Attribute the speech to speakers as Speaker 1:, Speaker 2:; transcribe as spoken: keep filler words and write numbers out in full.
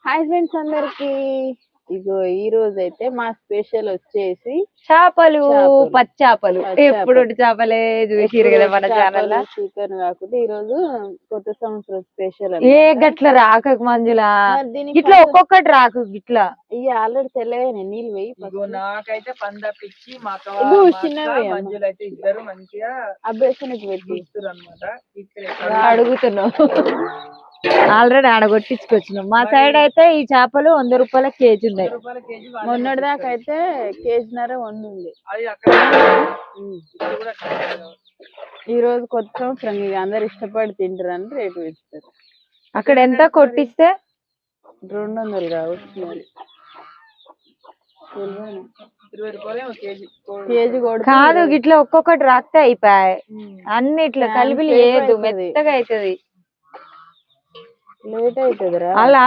Speaker 1: Hi friends అందరికి. ఇగో ఈ రోజు అయితే మా స్పెషల్ వచ్చేసి
Speaker 2: చేపలు
Speaker 1: చేపలు.
Speaker 2: పచ్చాపలు ఎప్పుడు చేపలే చూసిరు కదా మన ఛానల్ లో.
Speaker 1: చికెన్ కాకుండా ఈ రోజు కొత్త సంవత్సరం స్పెషల్
Speaker 2: ఏ గట్ల రాక మంజులా ఇట్లా ఒక్కొక్కటి రాకు గిట్లా
Speaker 1: ఇవి ఆల్రెడీ తెల్లగానే నీళ్ళు వేయి.
Speaker 3: నాకైతే పందపిచ్చి మా
Speaker 1: చిన్నవి
Speaker 3: మంజులు అయితే ఇద్దరు మంచిగా
Speaker 1: అభ్యసనకి పెట్టి
Speaker 3: అనమాట.
Speaker 2: అడుగుతున్నాం ఆల్రెడీ ఆడ కొట్టించుకొచ్చినాం. మా సైడ్ అయితే ఈ చేపలు వంద రూపాయల కేజీ ఉన్నాయి.
Speaker 1: మొన్నటి దాకా అయితే కేజీన్నర వంద ఉంది. ఈ రోజు కొత్త సంవత్సరం ఇక అందరు ఇష్టపడి తింటారని రేటు పెంచుతారు.
Speaker 2: అక్కడ ఎంత కొట్టిస్తే
Speaker 1: రెండు వందలు కావచ్చు మరి. కేజీ
Speaker 2: కాదు గిట్లా ఒక్కొక్కటి రాస్తే అయిపోయాయి. అన్ని ఇట్లా కలిపి లేదు మెత్తగా అవుతుంది.
Speaker 1: లేట్ అవుతుంది రా.
Speaker 2: అలా